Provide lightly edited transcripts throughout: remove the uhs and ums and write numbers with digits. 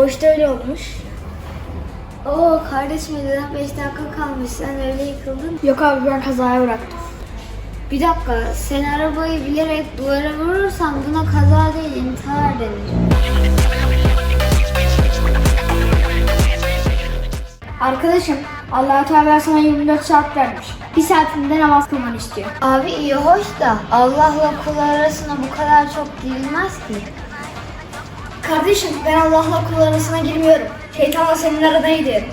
Doğuşta öyle olmuş. Oo kardeşim, 5 dakika kalmış, sen öyle yıkıldın. Yok abi, ben kazaya bıraktım. Bir dakika, sen arabayı bilerek duvara vurursan buna kaza değil, intihar denir. Arkadaşım, Allah-u Teala sana 24 saat vermiş. Bir saatinde namaz kılmanı istiyor. Abi iyi hoş da Allah'la kul arasına bu kadar çok girilmez ki. Kardeşim, ben Allah'la kul arasına girmiyorum. Şeytanla senin arana gidiyorum.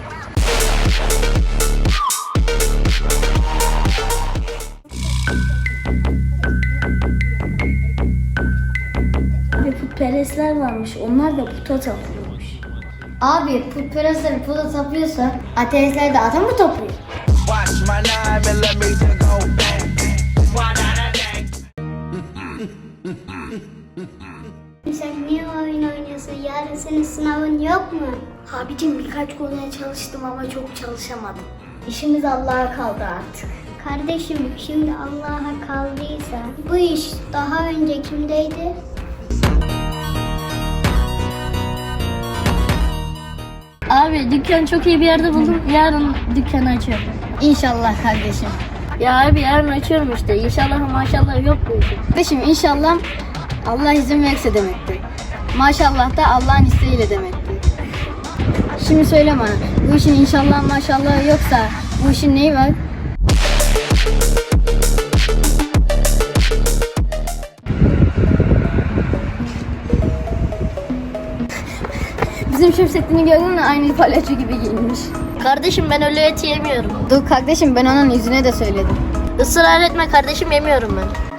Abi putperestler varmış. Onlar da puta tapıyormuş. Abi putperestler puta tapıyorsa ateistler de ata mı tapıyor? Watch my 9mm go bang. Sen niye oyun oynuyorsun? Yarın senin sınavın yok mu? Abicim, birkaç konuya çalıştım ama çok çalışamadım. İşimiz Allah'a kaldı artık. Kardeşim, şimdi Allah'a kaldıysa bu iş daha önce kimdeydi? Abi dükkan çok iyi bir yerde buldum. Yarın dükkanı açıyorum. İnşallah kardeşim. Ya abi yarın açıyorum işte. İnşallah maşallah yok bu işin. Kardeşim, inşallah Allah izin verirse demektir. Maşallah da Allah'ın isteğiyle demektir. Şimdi söyle bana, bu işin inşallah maşallah yoksa bu işin neyi var? Bizim Şemsettin'i gördün mü? Aynı palyaço gibi giyinmiş. Kardeşim ben öyle et yemiyorum. Dur kardeşim, ben onun yüzüne de söyledim. Israr etme kardeşim, yemiyorum ben.